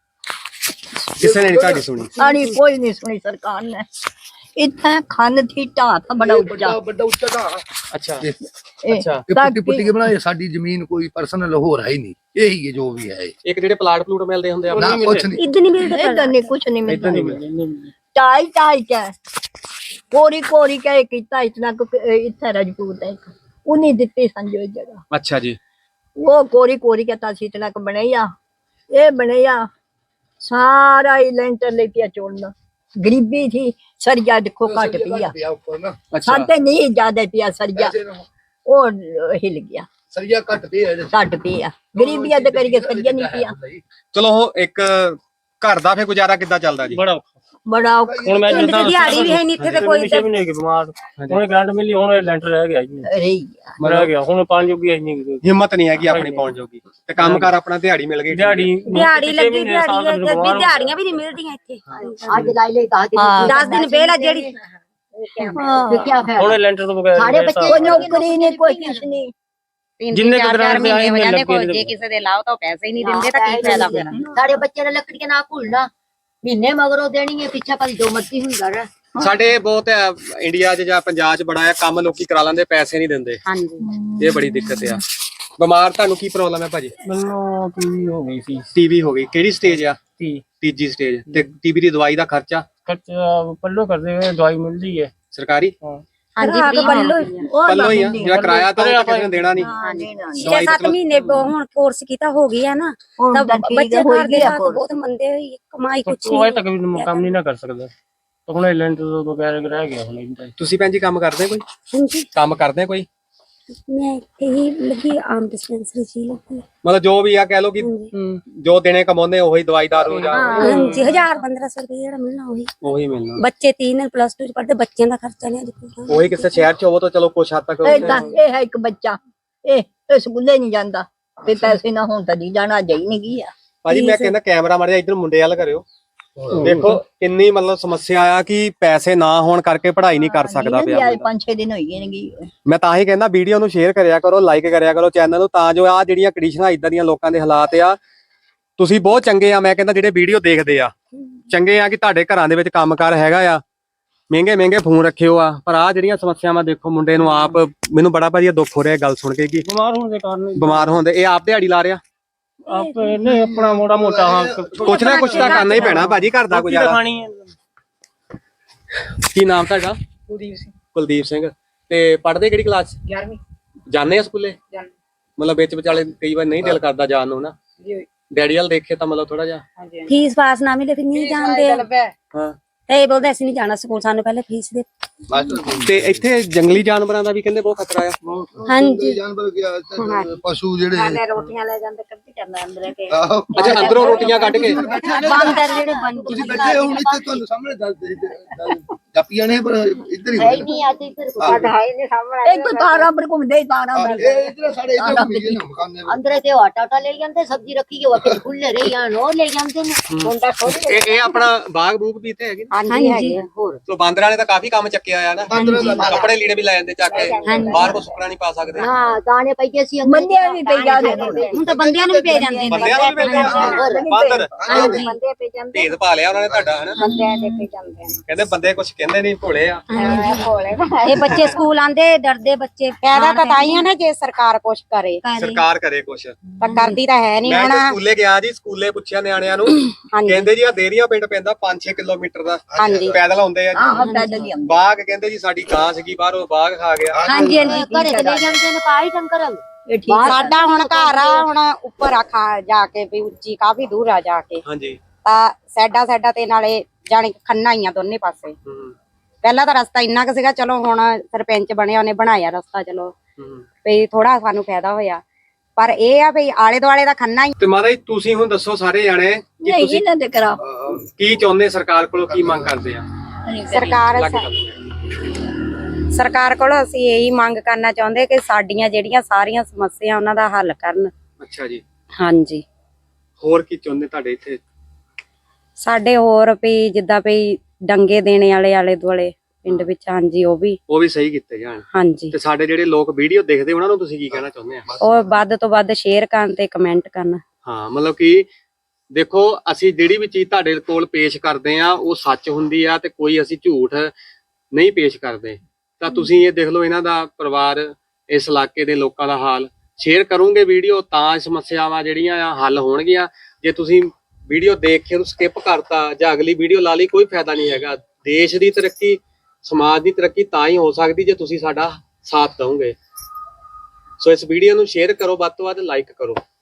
A: ਕਿਸੇ ਨੇ ਨਹੀਂ ਤੁਹਾਡੀ ਸੁਣੀ।
B: ਸਾੜੀ ਕੋਈ ਨਹੀਂ ਸੁਣੀ ਸਰਕਾਰ ਨੇ। ਇੱਥੇ ਖੰਨ ਥੀ ਢਾਹ ਤਾਂ ਬੜਾ ਉੱਚਾ,
E: ਵੱਡਾ ਵੱਡਾ ਉੱਚਾ ਢਾਹ।
A: ਅੱਛਾ
B: ਇਹ
A: ਅੱਛਾ।
E: ਇਹ
B: ਤਾਂ
E: ਪੁੱਟੀ ਪੁੱਟੀ ਕੇ ਬਣਾਏ, ਸਾਡੀ ਜ਼ਮੀਨ ਕੋਈ ਪਰਸਨਲ ਹੋਰ ਹੈ ਹੀ ਨਹੀਂ, ਇਹੀ ਹੈ ਜੋ ਵੀ ਹੈ।
A: ਇੱਕ ਜਿਹੜੇ ਪਲਾਟ ਪਲੂਟ ਮਿਲਦੇ ਹੁੰਦੇ ਆ,
E: ਨਾ ਕੁਛ ਨਹੀਂ।
D: ਇੱਦਾਂ ਨਹੀਂ ਮਿਲਦਾ
B: ਇਦਾਂ ਨਹੀਂ ਕੁਛ ਨਹੀਂ
A: ਇੱਦਾਂ ਨਹੀਂ
B: ਮਿਲਦਾ।
A: ਮਿਲਦੇ।
B: ਟਾਈ ਟਾਈ ਕੇ ਕੋਰੀ ਕੋਰੀ ਕੇ ਕੀਤਾ ਇਤਨਾ ਕੁ ਇੱਥੇ ਰਜਪੂਤ ਹੈ, ਉਨੀ ਦਿੱਤੀ ਸੰਜੋ ਇਹ ਜਗ੍ਹਾ,
A: ਅੱਛਾ ਜੀ।
B: ਉਹ ਕੋਰੀ ਕੋਰੀ ਕੇ ਤਾਂ ਇਤਨਾ ਕੁ ਬਣਾਇਆ, ਇਹ ਬਣਾਇਆ ਸਾਰਾ ਹੀ ਲੈਂਟਰ ਲੈ ਕੇ ਚੋੜਨਾ, ਗਰੀਬੀ ਥੀ, ਸਰਿਆ ਦੇਖੋ ਘਟ ਪਿਆ,
E: ਪਿਆ ਉੱਪਰ ਨਾ
A: ਅੱਛਾ
B: ਸਾਡੇ ਨਹੀਂ ਜ਼ਿਆਦਾ ਪਿਆ ਸਰਿਆ,
E: ਪੈਸੇ ਨਾ
B: ਉਹ ਹਿਲ ਗਿਆ,
E: ਸਰੀਆ ਘੱਟ ਪਿਆ ਇਹਦੇ।
B: ਘਟ ਪਿਆ, ਗਰੀਬੀਆਂ ਤੇ ਕਰੀਏ ਸਰਿਆ ਨਹੀਂ ਪਿਆ।
A: ਚਲੋ ਇੱਕ ਘਰ ਦਾ ਫੇ ਗੁਜ਼ਾਰਾ ਕਿੱਦਾਂ ਚੱਲਦਾ ਜੀ?
F: ਬੜਾ
B: ਬੜਾ ਔਖਾ
F: ਹੁਣ ਮੈਂ
D: ਪਿੰਡ ਦੀ ਦਿਹਾੜੀ ਵੀ ਹੈ ਨਹੀਂ ਇੱਥੇ ਤੇ ਕੋਈ
F: ਛੇ ਮਹੀਨੇ ਹੋ ਗਏ ਬਿਮਾਰ, ਹੁਣ ਗ੍ਰਾਂਟ ਮਿਲੀ, ਹੁਣ ਇਹ ਲੈਂਟਰ ਰਹਿ ਗਿਆ ਜੀ,
B: ਰਹੀ ਗਿਆ।
F: ਰਹਿ ਗਿਆ ਹੁਣ ਪੰਜ ਜੋਗੀ ਹੈ ਨਹੀਂ
A: ਹਿੰਮਤ ਨਹੀਂ ਹੈਗੀ ਆਪਣੀ ਪਹੁੰਚ ਜੋਗੀ, ਤੇ ਕੰਮਕਾਰ ਆਪਣਾ ਦਿਹਾੜੀ ਮਿਲ ਗਈ।
F: ਦਿਹਾੜੀ
D: ਦਿਹਾੜੀ ਲੱਗੀ, ਦਿਹਾੜੀ ਹੈ, ਤੇ ਵੀ ਦਿਹਾੜੀਆਂ ਵੀ ਨਹੀਂ ਮਿਲਦੀਆਂ ਇੱਥੇ।
B: ਅੱਜ ਲਾਈ ਲੈ ਦਸ
D: ਦਸ ਦਿਨ ਪਹਿਲਾਂ ਜਿਹੜੀ
F: ਹੁਣ ਲੈਂਟਰ ਤੋਂ ਬਗੈਰ
B: ਸਾਰੇ ਬੱਚੇ ਕੋਈ ਨੌਕਰੀ ਨਹੀਂ ਕੋਈ ਕੁਛ ਨਹੀਂ,
F: ਜਿੰਨੇ ਕੁ ਗ੍ਰਾਂਟ ਮਹੀਨੇ ਹੋ ਜਾਂਦੇ, ਕੋਈ
D: ਜੇ ਕਿਸੇ ਦੇ ਲਾਓ ਤਾਂ ਪੈਸੇ ਹੀ ਨਹੀਂ ਦਿੰਦੇ ਤਾਂ ਕੀ ਫਾਇਦਾ ਫਿਰ।
B: ਸਾਡੇ ਬੱਚੇ ਨੇ ਲੱਕੜੀਆਂ ਨਾ ਭੁੱਲਣਾ, ਮਹੀਨੇ ਮਗਰੋਂ ਦੇਣੀ ਹੈ, ਪਿੱਛੇ ਭਾਈ ਜੋ ਮਰਜ਼ੀ ਹੁੰਦਾ ਰਹਿ।
A: ਸਾਡੇ ਬਹੁਤ ਹੈ ਇੰਡੀਆ 'ਚ ਜਾਂ ਪੰਜਾਬ 'ਚ ਬੜਾ ਹੈ ਕੰਮ, ਲੋਕੀ ਕਰਾ ਲੈਂਦੇ, ਪੈਸੇ ਨਹੀਂ ਦਿੰਦੇ।
D: ਹਾਂਜੀ
A: ਇਹ ਬੜੀ ਦਿੱਕਤ ਆ। ਬਿਮਾਰ ਤੁਹਾਨੂੰ ਕੀ ਪ੍ਰੋਬਲਮ ਹੈ ਭਾਜੀ?
F: ਮੈਨੂੰ ਟੀਵੀ ਹੋ ਗਈ ਸੀ,
A: ਟੀਵੀ ਹੋ ਗਈ, ਕਿਹੜੀ ਸਟੇਜ ਆ?
F: ਤੀ
A: ਤੀਜੀ ਸਟੇਜ। ਤੇ ਟੀਵੀ ਦੀ ਦਵਾਈ ਦਾ ਖਰਚਾ
F: ਖਰਚਾ ਪੱਲੋ ਕਰਦੇ ਹੋਏ ਦਵਾਈ ਮਿਲਦੀ ਹੈ।
A: ਸਰਕਾਰੀ
D: ਹਾਂਜੀ ਪੱਲੋ
B: ਉਹ
A: ਪੱਲੋ ਹੀ ਆ, ਜਿਹੜਾ ਕਿਰਾਇਆ ਤਾਂ ਉਹ ਤਾਂ ਕਿਸੇ ਨੇ ਦੇਣਾ ਨਹੀਂ।
D: ਛੇ ਸੱਤ ਮਹੀਨੇ ਹੁਣ ਕੋਰਸ ਕੀਤਾ ਹੋ ਗਿਆ ਨਾ,
B: ਹੁਣ
D: ਤਾਂ
B: ਤਾਂ ਠੀਕ
D: ਬੱਚੇ
B: ਹੋਈ
D: ਘਰ ਦੇ
B: ਗਿਆ
D: ਹਾਲਾਤ ਬਹੁਤ ਮੰਦੇ ਹੋਈ, ਕਮਾਈ ਕੁਛ
F: ਉਹ
D: ਨਹੀਂ।
F: ਤੱਕ ਵੀ ਕੰਮ ਨਹੀਂ ਨਾ ਕਰ ਸਕਦਾ, ਤਾਂ ਹੁਣ ਲੈਂਟਰ ਤੋਂ ਬਗੈਰ ਰਹਿ ਗਿਆ ਹੁਣ ਇੰਦਾ।
A: ਤੁਸੀਂ ਭੈਣ ਜੀ ਕੰਮ ਕਰਦੇ ਕੋਈ?
D: ਹਾਂਜੀ
A: ਕੰਮ ਕਰਦੇ ਕੋਈ?
D: ਮੈਂ ਇੱਥੇ ਹੀ ਲੱਗੀ ਆਮ ਡਿਸਪੈਂਸਰੀ ਚ ਹੀ ਲੱਗੀ।
A: ਮਤਲਬ ਜੋ ਵੀ ਆ ਕਹਿ ਲੋ ਕਿ ਜੋ ਦਿਨੇ ਕਮਾਉਂਦੇ ਉਹੀ ਦਵਾਈ ਦਾਰੂ ਜਾਂ
D: ਹਾਂਜੀ ਹਜ਼ਾਰ ਪੰਦਰਾਂ ਸੌ ਰੁਪਏ ਜਿਹੜਾ ਮਿਲਣਾ ਉਹੀ।
A: ਉਹੀ ਮਿਲਣਾ।
D: ਬੱਚੇ ਤਿੰਨ ਪਲੱਸ ਟੂ ਚ ਪੜ੍ਹਦੇ, ਬੱਚਿਆਂ ਦਾ ਖਰਚਾ ਨਹੀਂ ਅੱਜ ਪੂਰਾ।
A: ਉਹੀ ਕਿਸੇ ਸ਼ਹਿਰ 'ਚ ਹੋਵੋ ਤਾਂ ਚਲੋ ਕੁਛ ਹੱਦ ਤੱਕ
B: ਇਹ ਤਾਂ ਇਹ ਹੈ ਇੱਕ ਬੱਚਾ, ਇਹ ਇਹ ਸਕੂਲੇ ਨਹੀਂ ਜਾਂਦਾ, ਤੇ ਪੈਸੇ ਨਾ ਹੋਣ ਤਾਂ ਨਹੀਂ ਜਾਣਾ, ਜਾਈ ਨਹੀਂ ਗਿਆ।
A: ਭਾਜੀ ਮੈਂ ਕਹਿੰਦਾ ਕੈਮਰਾ ਮਾਰਿਆ ਇੱਧਰ ਮੁੰਡੇ ਵੱਲ ਕਰਿਓ, ਦੇਖੋ ਕਿੰਨੀ ਮਤਲਬ ਸਮੱਸਿਆ ਆ ਕਿ ਪੈਸੇ ਨਾ ਹੋਣ ਕਰਕੇ ਪੜ੍ਹਾਈ ਨਹੀਂ ਕਰ ਸਕਦਾ ਪਿਆ
B: ਅੱਜ
A: ਬੰਦਾ।
B: ਪੰਜ ਛੇ ਦਿਨ ਹੋਈ ਗਏ।
A: ਮੈਂ ਤਾਂ ਹੀ ਕਹਿੰਦਾ ਵੀਡੀਓ ਨੂੰ ਸ਼ੇਅਰ ਕਰਿਆ ਕਰੋ, ਲਾਈਕ ਕਰਿਆ ਕਰੋ ਚੈਨਲ ਨੂੰ, ਤਾਂ ਜੋ ਆ ਜਿਹੜੀਆਂ ਕੰਡੀਸ਼ਨਾਂ ਇਦਾਂ ਦੀਆਂ ਲੋਕਾਂ ਦੇ ਹਾਲਾਤ ਆ, ਤੁਸੀਂ ਬਹੁਤ ਚੰਗੇ ਆ, ਮੈਂ ਕਹਿੰਦਾ ਜਿਹੜੇ ਵੀਡੀਓ ਦੇਖਦੇ ਆ ਚੰਗੇ ਆ ਕਿ ਤੁਹਾਡੇ ਘਰਾਂ ਦੇ ਵਿੱਚ ਕੰਮਕਾਰ ਹੈਗਾ ਆ, ਮਹਿੰਗੇ ਮਹਿੰਗੇ ਫੋਨ ਰੱਖਿਓ ਆ, ਪਰ ਆ ਜਿਹੜੀਆਂ ਸਮੱਸਿਆਵਾਂ ਦੇਖੋ ਮੁੰਡੇ ਨੂੰ ਆਪ, ਮੈਨੂੰ ਬੜਾ ਭਾਜੀ ਦੁੱਖ ਹੋ ਰਿਹਾ ਗੱਲ ਸੁਣ ਕੇ ਕਿ
F: ਬਿਮਾਰ ਹੋਣ ਦੇ ਕਾਰਨ
A: ਬਿਮਾਰ ਹੋਣ ਦੇ, ਇਹ ਆਪ ਦਿਹਾੜੀ ਲਾ ਰਿਹਾ।
F: ਆਪ ਨਹੀਂ ਆਪਣਾ ਮੋੜਾ ਮੋਟਾ ਹਾਂ
A: ਕੁਛ ਨਾ ਕੁਛ ਤਾਂ ਕਰਨਾ ਹੀ ਪੈਣਾ ਭਾਜੀ, ਘਰ ਦਾ ਗੁਜ਼ਾਰਾ।
F: ਖਾਣੀ ਹੈ।
A: ਕੀ ਨਾਮ ਤੁਹਾਡਾ?
C: ਕੁਲਦੀਪ ਸਿੰਘ
A: ਕੁਲਦੀਪ ਸਿੰਘ। ਤੇ ਪੜ੍ਹਦੇ ਕਿਹੜੀ ਕਲਾਸ?
C: ਗਿਆਰਵੀਂ
A: ਜਾਂਦੇ ਆ ਸਕੂਲੇ?
C: ਜਾਣ
A: ਮਤਲਬ ਵਿੱਚ ਵਿਚਾਲੇ ਕਈ ਵਾਰ ਨਹੀਂ ਦਿਲ ਕਰਦਾ ਜਾਣ ਨੂੰ ਨਾ,
C: ਜੀ
A: ਡੈਡੀ ਵਾਲ ਦੇਖੇ ਤਾਂ ਮਤਲਬ ਥੋੜਾ ਜਿਹਾ।
C: ਹਾਂਜੀ
D: ਫੀਸ ਪਾਸ ਨਾ ਮਿਲੇ ਫਿਰ ਨਹੀਂ ਜਾਂਦੇ,
A: ਹਾਂ
D: ਤੇ ਇਹ ਬੋਲਦੇ ਅਸੀਂ ਨਹੀਂ ਜਾਣਾ ਸਕੂਲ, ਸਾਨੂੰ ਪਹਿਲੇ ਫੀਸ ਦੇ।
E: ਮਾਸਟਰ
A: ਤੇ ਇੱਥੇ ਜੰਗਲੀ ਜਾਨਵਰਾਂ ਦਾ ਵੀ ਕਹਿੰਦੇ ਬਹੁਤ ਖਤਰਾ ਆ।
D: ਹਾਂਜੀ।
E: ਜਾਨਵਰ ਗਿਆ ਤੇ ਪਸ਼ੂ ਜਿਹੜੇ
B: ਨਾਲੇ ਰੋਟੀਆਂ ਲੈ ਜਾਂਦੇ ਕੱਢੀ ਜਾਂਦਾ ਅੰਦਰ ਕੇ
E: ਆਹੋ,
A: ਅੱਛਾ ਅੰਦਰੋਂ ਰੋਟੀਆਂ ਕੱਢ ਕੇ
D: ਬਾਂਦਰ ਜਿਹੜੇ ਬੰਦ
E: ਤੁਸੀਂ ਬੈਠੇ ਹੋ ਹੁਣ ਇੱਥੇ ਤੁਹਾਨੂੰ ਸਾਹਮਣੇ ਦੱਸ ਦੇ ਜਾਪੀਆਂ ਨੇ ਪਰ ਇੱਧਰ ਹੀ ਹੁੰਦੇ ਨੇ।
D: ਨਹੀਂ ਆਤੀ ਫਿਰ
B: ਇੱਕ ਤਾਰਾ ਪਰ ਘੁੰਮਦੇ ਹੀ ਤਾਰਾ
E: ਆਹ,
B: ਪਰ
E: ਇਹ ਇੱਧਰ ਸਾਡੇ ਇੱਧਰ ਘੁੰਮੀ ਗਏ ਨਾ ਮਕਾਨ ਦੇ ਵਿੱਚ।
D: ਅੰਦਰ ਤੇ ਆਟਾ ਆਟਾ ਲੈ ਜਾਂਦੇ ਸਬਜ਼ੀ ਰੱਖੀ ਗਈ ਉਹ ਖੁੱਲੇ ਰਹੀ ਜਾਣ ਉਹ ਲੈ ਜਾਂਦੇ ਨੇ ਮੁੰਡਾ ਛੋਟੇ
A: ਇਹ ਇਹ ਆਪਣਾ ਬਾਗ ਬੂਗ ਵੀ ਇੱਥੇ ਹੈਗੇ ਨੇ?
D: ਹਾਂਜੀ ਹੈਗੇ ਹੋਰ
A: ਸੋ ਬਾਂਦਰਾਂ ਨੇ ਤਾਂ ਕਾਫੀ ਕੰਮ ਚੱਕਿਆ ਆ ਨਾ, ਕੱਪੜੇ ਲੀੜੇ ਵੀ ਲੈ ਜਾਂਦੇ ਚੱਕ ਕੇ, ਬਾਹਰ ਕੋ ਸੁੱਕਣਾ ਨਹੀਂ ਪਾ ਸਕਦੇ।
D: ਹਾਂ ਦਾਣੇ ਪਈਏ ਸੀ
B: ਬੰਦਿਆਂ ਵੀ ਪਈ ਜਾਂਦੇ
D: ਹੁਣ ਤਾਂ ਬੰਦਿਆਂ ਨੂੰ ਵੀ ਪੈ ਜਾਂਦੇ ਨੇ
A: ਬੰਦਿਆਂ ਨੂੰ ਵੀ ਮਿਲਦੇ ਆ ਬਾਂਦਰ।
B: ਬੰਦੇ ਪਈ ਜਾਂਦੇ
A: ਭੇਦ ਪਾ ਲਿਆ ਉਹਨਾਂ ਨੇ ਤੁਹਾਡਾ ਹਨਾ।
B: ਬੰਦਿਆਂ ਦੇ ਪਈ ਜਾਂਦੇ ਨੇ
A: ਕਹਿੰਦੇ ਬੰਦੇ ਕੁਝ ਕਹਿੰਦੇ ਨਹੀਂ, ਭੋਲੇ ਆ।
D: ਇਹ ਬੱਚੇ ਸਕੂਲ ਆਂਦੇ ਡਰਦੇ ਬੱਚੇ ਫਾਇਦਾ ਤਾਂ ਤਾਂ ਹੀ ਆ ਨਾ ਜੇ ਸਰਕਾਰ ਕੁਛ ਕਰੇ
A: ਸਰਕਾਰ ਕਰੇ ਕੁਛ।
D: ਤਾਂ ਕਰਦੀ ਤਾਂ ਹੈ ਨਹੀਂ
A: ਮੈਂ
D: ਹੁਣ
A: ਤਾਂ ਸਕੂਲੇ ਗਿਆ ਜੀ, ਸਕੂਲੇ ਪੁੱਛਿਆ ਨਿਆਣਿਆਂ ਨੂੰ,
D: ਹਾਂਜੀ
A: ਕਹਿੰਦੇ ਜੀ ਆ ਦੇਰੀਆਂ ਪਿੰਡ ਪੈਂਦਾ ਪੰਜ ਛੇ ਕਿਲੋਮੀਟਰ ਦਾ,
D: ਹਾਂਜੀ
A: ਪੈਦਲ ਆਉਂਦੇ ਆ ਜੀ।
B: ਆਹ ਪੈਦਲ ਹੀ ਆਉਂਦੇ
A: ਬਾਗ ਕਹਿੰਦੇ ਜੀ ਸਾਡੀ ਗਾਂ ਸੀਗੀ ਬਾਹਰੋਂ ਬਾਗ ਖਾ ਗਿਆ।
D: ਹਾਂਜੀ ਹਾਂਜੀ ਘਰੇ ਤੇ ਲੈ ਜਾਂਦੇ ਨੇ ਪਾਈ ਡੰਗਰ
B: ਇਹ ਠੀਕ
D: ਸਾਡਾ ਹੁਣ ਘਰ ਆ ਹੁਣ ਉੱਪਰ ਆ ਖਾ ਜਾ ਕੇ ਵੀ ਉੱਚੀ ਕਾਫੀ ਦੂਰ ਆ ਜਾ ਕੇ
A: ਹਾਂਜੀ।
D: ਤਾਂ ਸਾਡਾ ਸਾਡਾ ਤੇ ਨਾਲੇ ਜਾਣੀ ਖੰਨਾ ਹੀ ਆ ਦੋਨੇ ਪਾਸੇ।
A: ਹੂੰ
D: ਪਹਿਲਾਂ ਤਾਂ ਰਸਤਾ ਇੰਨਾ ਕੁ ਸੀਗਾ, ਚਲੋ ਹੁਣ ਸਰਪੰਚ ਬਣਿਆ ਉਹਨੇ ਬਣਾਇਆ ਰਸਤਾ, ਚਲੋ
A: ਹੂੰ।
D: ਵੀ ਥੋੜਾ ਸਾਨੂੰ ਫਾਇਦਾ ਹੋਇਆ, ਪਰ ਇਹ ਆ ਵੀ ਆਲੇ ਦੁਆਲੇ ਦਾ ਖੰਨਾ ਹੀ।
A: ਤੇ ਮਾਤਾ ਜੀ ਤੁਸੀਂ ਹੁਣ ਦੱਸੋ ਸਾਰੇ ਜਾਣੇ ਕਿ
B: ਨਹੀਂ
A: ਤੁਸੀਂ
B: ਇਹਨਾਂ ਦੇ ਕਰਾ
A: ਕੀ ਚਾਹੁੰਦੇ, ਸਰਕਾਰ ਕੋਲੋਂ ਕੀ ਮੰਗ ਕਰਦੇ ਆ?
D: ਸਰਕਾਰ
A: ਲੱਗ ਗੱਲ।
D: ਸਰਕਾਰ ਕੋਲੋਂ ਅਸੀਂ ਇਹੀ ਮੰਗ ਕਰਨਾ ਚਾਹੁੰਦੇ ਕਿ ਸਾਡੀਆਂ ਜਿਹੜੀਆਂ ਸਾਰੀਆਂ ਸਮੱਸਿਆ ਉਹਨਾਂ ਦਾ ਹੱਲ ਕਰਨ।
A: ਅੱਛਾ ਜੀ।
D: ਹਾਂਜੀ
A: ਹੋਰ ਕੀ ਚਾਹੁੰਦੇ ਤੁਹਾਡੇ ਇੱਥੇ?
D: ਸਾਡੇ ਹੋਰ ਵੀ ਜਿੱਦਾਂ ਵੀ ਡੰਗੇ ਦੇਣੇ ਵਾਲੇ ਆਲੇ ਦੁਆਲੇ ਪਿੰਡ ਵਿੱਚ, ਹਾਂਜੀ ਉਹ ਵੀ
A: ਉਹ ਵੀ ਸਹੀ ਕੀਤੇ ਜਾਣ।
D: ਹਾਂਜੀ
A: ਤੇ ਸਾਡੇ ਜਿਹੜੇ ਲੋਕ ਵੀਡੀਓ ਦੇਖਦੇ ਉਹਨਾਂ ਨੂੰ ਤੁਸੀਂ ਕੀ ਕਹਿਣਾ ਚਾਹੁੰਦੇ ਆ?
D: ਉਹ ਵੱਧ ਤੋਂ ਵੱਧ ਸ਼ੇਅਰ ਕਰਨ ਤੇ ਕਮੈਂਟ ਕਰਨ।
A: ਹਾਂ ਮਤਲਬ ਕਿ ਦੇਖੋ ਅਸੀਂ ਜਿਹੜੀ ਵੀ ਚੀਜ਼ ਤੁਹਾਡੇ ਕੋਲ ਪੇਸ਼ ਕਰਦੇ ਆ ਉਹ ਸੱਚ ਹੁੰਦੀ ਆ, ਤੇ ਕੋਈ ਅਸੀਂ ਝੂਠ ਨਹੀਂ ਪੇਸ਼ ਕਰਦੇ। ਤਾਂ ਤੁਸੀਂ ਇਹ ਦੇਖ ਲਓ ਇਹਨਾਂ ਦਾ ਪਰਿਵਾਰ, ਇਸ ਇਲਾਕੇ ਦੇ ਲੋਕਾਂ ਦਾ ਹਾਲ। ਸ਼ੇਅਰ ਕਰੋਗੇ ਵੀਡੀਓ ਤਾਂ ਸਮੱਸਿਆਵਾਂ ਜਿਹੜੀਆਂ ਆ ਹੱਲ ਹੋਣਗੀਆਂ। ਜੇ ਤੁਸੀਂ ਵੀਡੀਓ ਦੇਖ ਕੇ ਉਹਨੂੰ ਸਕਿਪ ਕਰਤਾ ਜਾਂ ਅਗਲੀ ਵੀਡੀਓ ਲਾ ਲਈ, ਕੋਈ ਫਾਇਦਾ ਨਹੀਂ ਹੈਗਾ। ਦੇਸ਼ ਦੀ ਤਰੱਕੀ, ਸਮਾਜ ਦੀ ਤਰੱਕੀ ਤਾਂ ਹੀ ਹੋ ਸਕਦੀ ਜੇ ਤੁਸੀਂ ਸਾਡਾ ਸਾਥ ਦਓਗੇ। ਸੋ ਇਸ ਵੀਡੀਓ ਨੂੰ ਸ਼ੇਅਰ ਕਰੋ, ਵੱਧ ਤੋਂ ਵੱਧ ਲਾਈਕ ਕਰੋ।